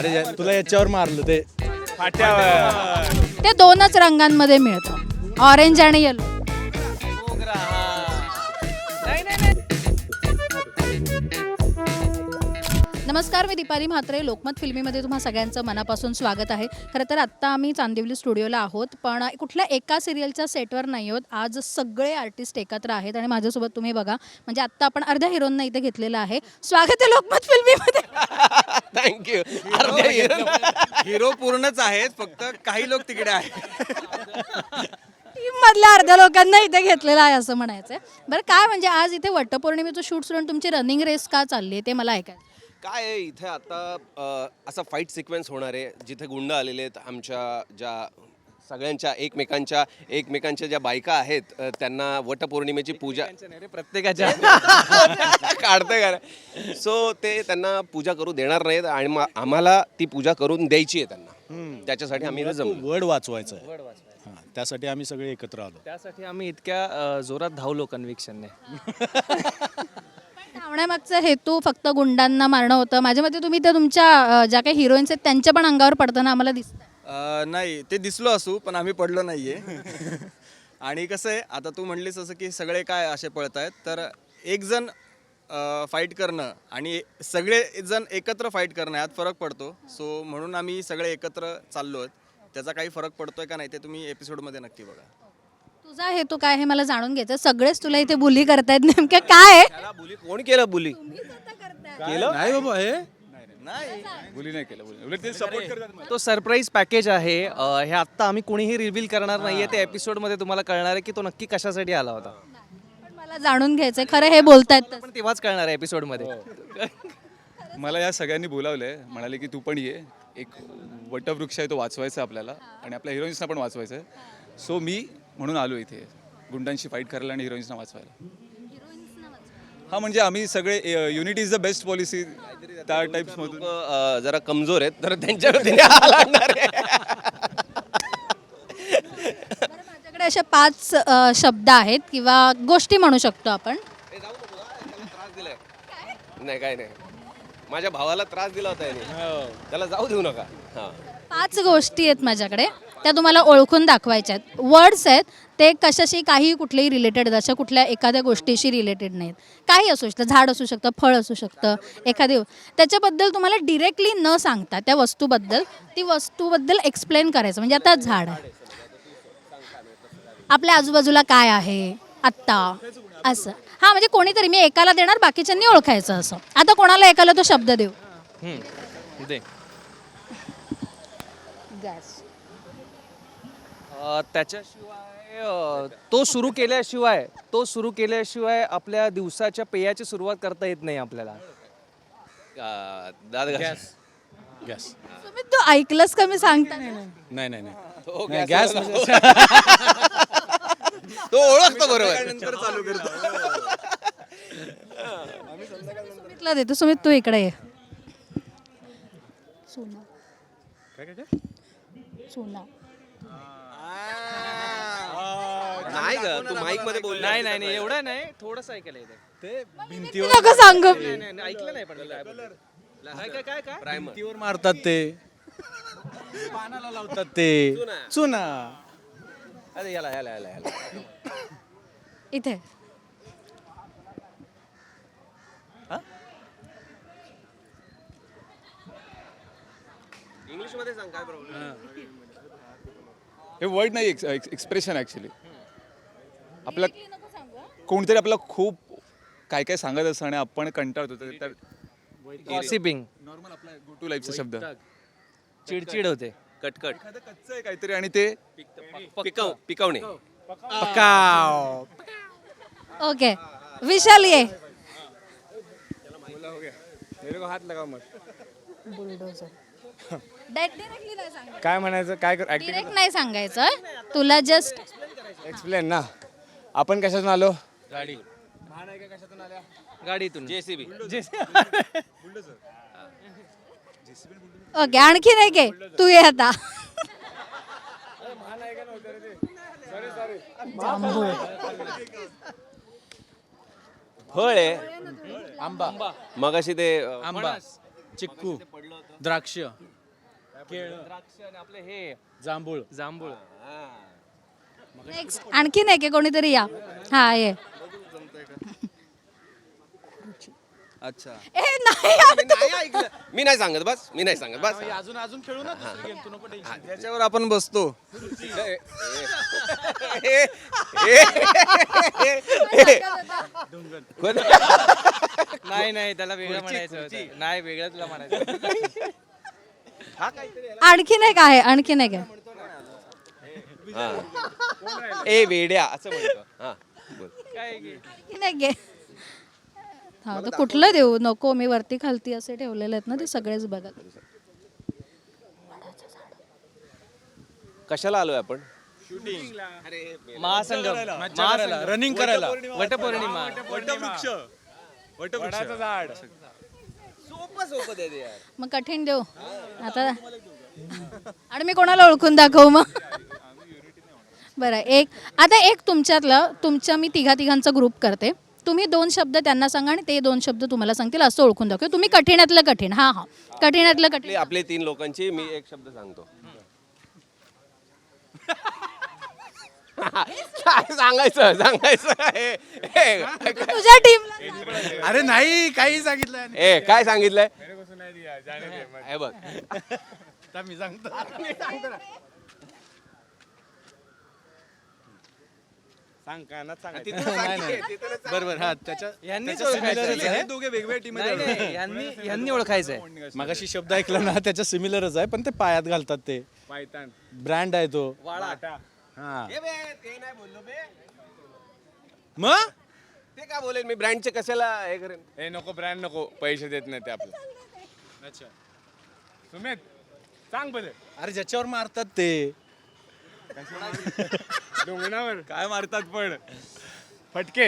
अरे तुला याच्यावर मारलं ते फाट्यावर. ते दोनच रंगांमध्ये मिळतं, ऑरेंज आणि येलो. नमस्कार, मी दीपाली म्हात्रे. लोकमत फिल्मीमध्ये तुम्हा सगळ्यांचं मनापासून स्वागत आहे. खरं तर आत्ता आम्ही चांदिवली स्टुडिओला आहोत, पण कुठल्या एका सिरियलच्या सेटवर नाही आहोत. आज सगळे आर्टिस्ट एकत्र आहेत आणि माझ्यासोबत तुम्ही बघा, म्हणजे आत्ता आपण अर्ध्या हिरोंना इथे घेतलेलं आहे. स्वागत आहे लोकमत फिल्मीमध्ये. थँक्यू. हिरो पूर्णच आहेत, फक्त काही लोक तिकडे आहेत. टीममधल्या अर्ध्या लोकांना इथे घेतलेलं आहे असं म्हणायचं आहे. बरं, काय म्हणजे आज इथे वटपौर्णिमेचं शूट सोडून तुमची रनिंग रेस का चालली आहे ते मला ऐकायचं. काय आहे इथे आता असा फाईट सिक्वेन्स होणार आहे जिथे गुंड आलेले आहेत. आमच्या ज्या सगळ्यांच्या एकमेकांच्या ज्या बायका आहेत त्यांना वटपौर्णिमेची पूजा प्रत्येकाच्या काढते का. सो ते त्यांना पूजा करू देणार नाहीत आणि आम्हाला ती पूजा करून द्यायची आहे त्यांना. त्याच्यासाठी आम्ही जमलो. वर्ड वाचवायचं आहे. हां, त्यासाठी आम्ही सगळे एकत्र आलो. त्यासाठी आम्ही इतक्या जोरात धावलो कन्व्हिक्शनने. धावण्यामागचा हेतू फक्त गुंडांना मारणं होतं. माझ्या मते तुम्ही तर तुमच्या ज्या काही हिरोईन्स आहेत त्यांच्या पण अंगावर पडताना आम्हाला दिसतं. नाही, ते दिसलो असू पण आम्ही पडलो नाहीये. आणि कसं आहे, आता तू म्हणलीस असं की सगळे काय असे पळत आहेत, तर एक जण फाईट करणं आणि सगळे जण एकत्र फाईट करणं यात फरक पडतो. सो म्हणून आम्ही सगळे एकत्र चाललो आहेत. त्याचा काही फरक पडतोय का नाही ते तुम्ही एपिसोडमध्ये नक्की बघा. तुझा हेतू काय हे मला जाणून घ्यायचं. सगळेच तुला इथे बुली करतायत, नेमकं काय आहे? त्याला बुली कोण केलं? बुली नाही बाबा, हे तो सरप्राईज पॅकेज आहे. हे आत्ता आम्ही कोणीही रिव्हील करणार नाहीये. ते एपिसोडमध्ये तुम्हाला कळणार आहे की तो नक्की कशासाठी आला होता. पण मला जाणून घ्यायचंय खरं हे बोलतायत पण तेव्हाच कळणार आहे एपिसोडमध्ये. मला या सगळ्यांनी बोलावलंय, म्हणाले की तू पण ये. एक वटवृक्ष आहे तो वाचवायचा आपल्याला आणि आपल्या हिरोईन्सना पण वाचवायचं आहे. सो मी म्हणून आलो इथे गुंडांशी फाईट करायला आणि हिरोईन्सना वाचवायला. हा, म्हणजे आम्ही सगळे unity is the best policy त्या टाईप्समधून. जरा कमजोर आहेत तर त्यांच्या वतीने हा लढणार आहे. माझ्याकडे असे 5 शब्द आहेत किंवा गोष्टी म्हणू शकतो आपण. त्रास दिलाय नाही, काय नाही. माझ्या भावाला त्रास दिला होता याने, त्याला जाऊ देऊ नका. हां, 5 गोष्टी आहेत माझ्याकडे, त्या तुम्हाला ओळखून दाखवायच्या आहेत. वर्ड्स आहेत, ते कशाशी काही कुठलेही रिलेटेड, अशा कुठल्या एखाद्या गोष्टीशी रिलेटेड नाहीत. काही असू शकतं, झाड असू शकतं, फळ असू शकतं, एखादी त्याच्याबद्दल तुम्हाला डिरेक्टली न सांगता त्या वस्तूबद्दल, ती वस्तूबद्दल एक्सप्लेन करायचं. म्हणजे आता झाड आहे, आपल्या आजूबाजूला काय आहे आत्ता, असं. हां, म्हणजे कोणीतरी मी एकाला देणार, बाकीच्यांनी ओळखायचं असं. आता कोणाला एकाला तो शब्द देऊ. दे. गॅस. त्याच्याशिवाय तो सुरू केल्याशिवाय आपल्या दिवसाच्या पेयाची सुरुवात करता येत नाही आपल्याला. दाद घास. गॅस. तुम्ही तू ऐकलंस का मी सांगता? नाही नाही नाही, तो नाही, गॅस गॅस तो ओळखतो बरोबर. नंतर चालू करतो. सुमितला देतो. सुमित तू इकडे ये. सोना. सोना. नाही ग, तू माईक मध्ये बोल. नाही एवढं नाही, थोडंसं ऐकायला येतं. ते भिंतीवर नको सांगू. नाही, ऐकलं नाही पण काय प्रायमर. भिंतीवर मारतात ते, पानाला लावतात ते चुना. अरे याला इथे इंग्लिश मध्ये सांग, काय प्रॉब्लेम. हे वर्ड नाही, एक्सप्रेशन ॲक्च्युली. आपल्या कोणतरी आपल्याला खूप काय काय सांगत असतं आणि आपण कंटाळतो, तर गॉसिपिंग, नॉर्मल आपला गो टू लाईफचा शब्द. चिडचिड होते. कटकट. एखादं कच्चं आहे काहीतरी आणि ते पिकवणे. ओके. विशाल ये. बुलडोझर. डायरेक्टली नाही सांगायचं. काय म्हणायचं, काय डिरेक्ट नाही सांगायचं, तुला जस्ट एक्सप्लेन ना. आपण कशातून आलो? गाडीतून. जेसीबी. ओके. आणखी नाही के तू ये आता. फळ आहे. आंबा, मगाशी ते आंबा, चिक्कू, द्राक्ष, द्राक्ष आणि आपले हे जांभूळ. जांभूळ. नेक्स्ट आणखीन एक आहे, कोणीतरी या. हा ये. अच्छा ए नाही मी नाही सांगत बस, मी नाही सांगत बस. अजून अजून खेळू ना दुसरी game, तू नको tension. त्याच्यावर आपण बसतो. नाही नाही त्याला वेगळं म्हणायचं होतं. नाही वेगळं तुला म्हणायचं. आणखीन एक आहे, आणखीन एक आहे. ए वेड्या असं म्हणतो. हा बोल. आणखीन एक आहे. हा तर कुठलं देऊ? नको, मी वरती खालती असे ठेवलेले आहेत ना, ते सगळेच बघा. कशाला आलोय आपण? महासंगम, रनिंग करायला. वटपौर्णिमा. वडाचं झाड. सोपं दे दे यार. मग कठीण देऊ आता. आणि मी कोणाला ओळखून दाखवू मग? बरं, एक तुमच्यातलं, मी तिघांचा ग्रुप करते. तुम्ही 2 शब्द त्यांना सांगा आणि ते 2 शब्द तुम्हाला सांगतील, असं ओळखून दाखव. तुम्ही कठीणातलं कठीण. हा हा, कठीणातलं कठीण. आपले 3 लोकांची मी एक शब्द सांगतो. काय सांगायचं तुझ्या टीमला अरे नाही, काही सांगितलं. ए काय सांगितलंय हे बघ. मी सांगतो. सांग का ना, सांग. बरोबर. हा त्याच्या यांनीच त्याच्या ओळखायचं similarच आहे. आहे. दोघे वेगवेगळ्या टीम नाही नाही यांनी ओळखायचंय. मगाशी शब्द ऐकला ना, त्याच्या सिमिलरच आहे, पण ते पायात घालतात. ते ब्रँड आहे तो. हा ते नाही बोललो बे. मग ते काय बोलेल मी ब्रँडचे कशाला हे करेन. हे नको ब्रँड नको, पैसे देत नाही ते आपलं. अच्छा. सुमित सांग बरं. अरे ज्याच्यावर मारतात ते. डोंगरावर काय मारतात पण फटके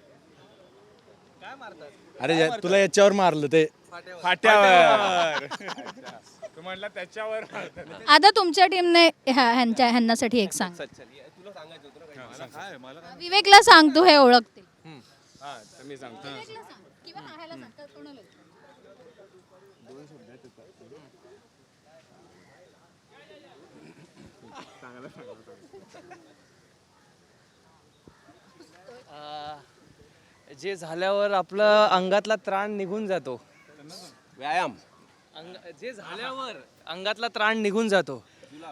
अरे तुला याच्यावर मारलं ते. फाट्यावर. तू म्हटलं त्याच्यावर मारतात. आता तुमच्या टीमने ह्यांनासाठी एक सांग. तुला सांगायचं होतं ना. विवेकला सांग, तू हे ओळखतील. हा तर मी सांगतो. जे झाल्यावर आपलं अंगातला त्राण निघून जातो. व्यायाम. जे झाल्यावर अंगातला त्राण निघून जातो.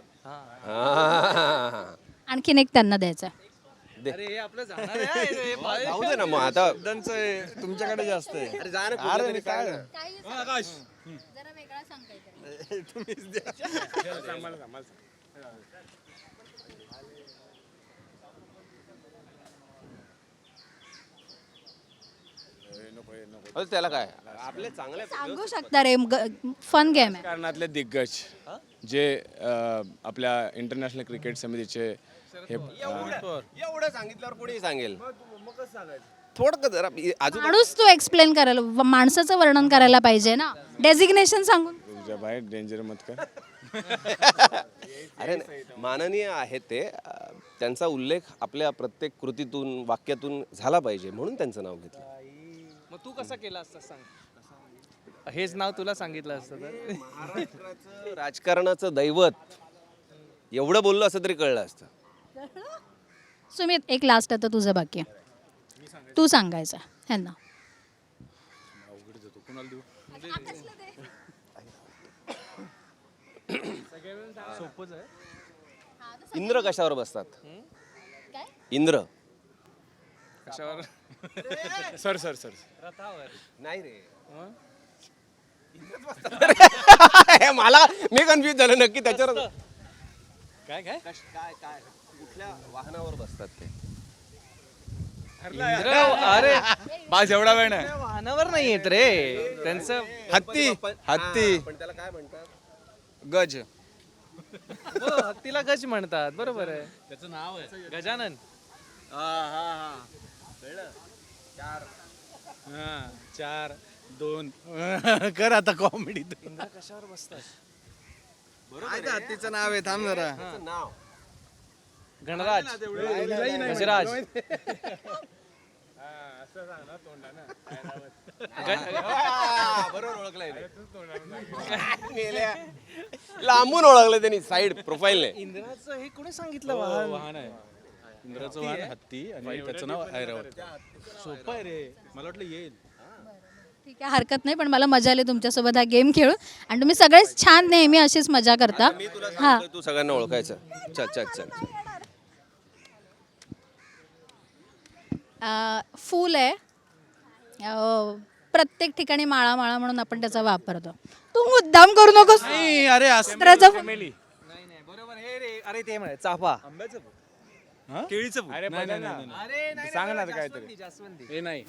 आणखीन एक त्यांना द्यायचा. अरे हे आपलं जाणार आहे. जाऊ दे ना मग आता. तुमच्याकडे जास्त आहे. अरे जा ना कुठं तरी काय ना. अरे त्याला काय आपले चांगले सांगू शकता रे, फन गेम आहे. कारणातले दिग्गज जे आपल्या इंटरनॅशनल क्रिकेट समितीचे हे एवढं सांगितल्यावर कोणी सांगेल. थोडं जरा अजून माणूस तू एक्सप्लेन करायला, माणसाचं वर्णन करायला पाहिजे ना, डेझिग्नेशन सांगून. तुझ्या बाहेर डेंजर मत कर. अरे माननीय आहेत ते. त्यांचा उल्लेख आपल्या प्रत्येक कृतीतून वाक्यातून झाला पाहिजे म्हणून त्यांचं नाव घेतलं. मग तू कसा केला असता सांग. हेच नाव तुला सांगितलं असतं तर. महाराष्ट्राचं राजकारणाचं दैवत एवढं बोललं असं तरी कळलं असतं. सुमित, एक लास्ट आता तुझं बाकी आहे. तू सांगायचं ह्यांना. इंद्र कशावर बसतात? इंद्र कशावर? सर सर सर नाही रे. मला मी कन्फ्युज झालो नक्की त्याच्यावर. काय काय काय काय कुठल्या वाहनावर बसतात ते? अरे बाज एवढा वेळ नाही. वाहनावर नाही येत रे त्यांचं. हत्ती हत्ती पण त्याला काय म्हणतात? गज. हो, हत्तीला गज म्हणतात. बरोबर आहे. त्याचं नाव आहे. गजानन. हा 4 2 कर आता कॉमेडी. कशावर बसतात? हत्तीचं नाव आहे, थांब जरा. त्याचं नाव गणराज. गजराज. लांबून ओळखलं त्यांनी साईड प्रोफाईलने. इंद्राचं हे कोणी सांगितलं वाहन आहे इंद्राचं वाहन हत्ती आणि त्याचं नाव ऐरावत. सोपं आहे रे, मला वाटलं येईल. ठीक आहे, हरकत नाही, पण मला मजा आली तुमच्यासोबत हा गेम खेळून आणि तुम्ही सगळेच छान नेहमी अशीच मजा करता. मी तुला हां सांगतोय, तू सगळ्यांना ओळखायचं. चल चल चल. फूल आहे, प्रत्येक ठिकाणी माळा माळा म्हणून आपण त्याचा वापरतो. तू मुद्दाम करू नकोस. नाही, अरे असं चित्राचं फूल. नाही नाही बरोबर हे रे अरे ते म्हणे चाफा केळीचं फूल. अरे सांग ना काहीतरी. हे नाही.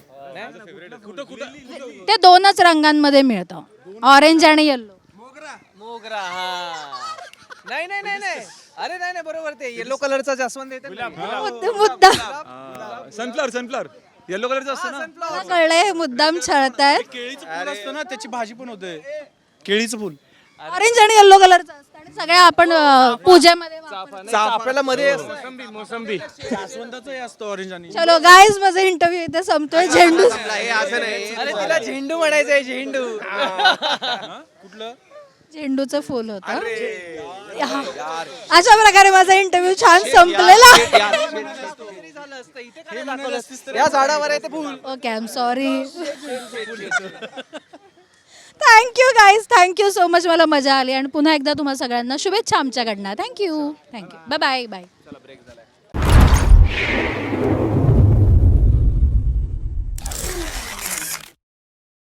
ते दोनच रंगांमध्ये मिळतं, ऑरेंज आणि येल्लो. मोगरा हा नाही नाही नाही नाही अरे नाही नाही बरोबर ते येलो कलरचा जास्वंद येते मुद्दाम सनफ्लॉवर येलो कलरचं असतं ना. मला कळलंय, मुद्दाम छळतायत. केळीचं फुल असतं ना, त्याची भाजी पण होते. केळीचं फुल. ऑरेंज आणि येल्लो कलरचं असतं आणि सगळ्या आपण पूजेमध्ये वापरतो. चाफ्याला मध्ये मोसंबी जास्वंदाचं हे असतं ऑरेंज आणि. चलो गाईज, माझा इंटरव्ह्यू इथे संपतोय. झेंडू अरे तिला झेंडू म्हणायचंय झेंडू. कुठलं? झेंडूचं फुल होतं. अशा प्रकारे माझा इंटरव्ह्यू छान संपलेला. या झाडावर आहे ते फुल. Okay, I am sorry. Thank you guys, thank you so much. मला मजा आली आणि पुन्हा एकदा तुम्हाला सगळ्यांना शुभेच्छा आमच्याकडनं. थँक्यू. Bye bye bye.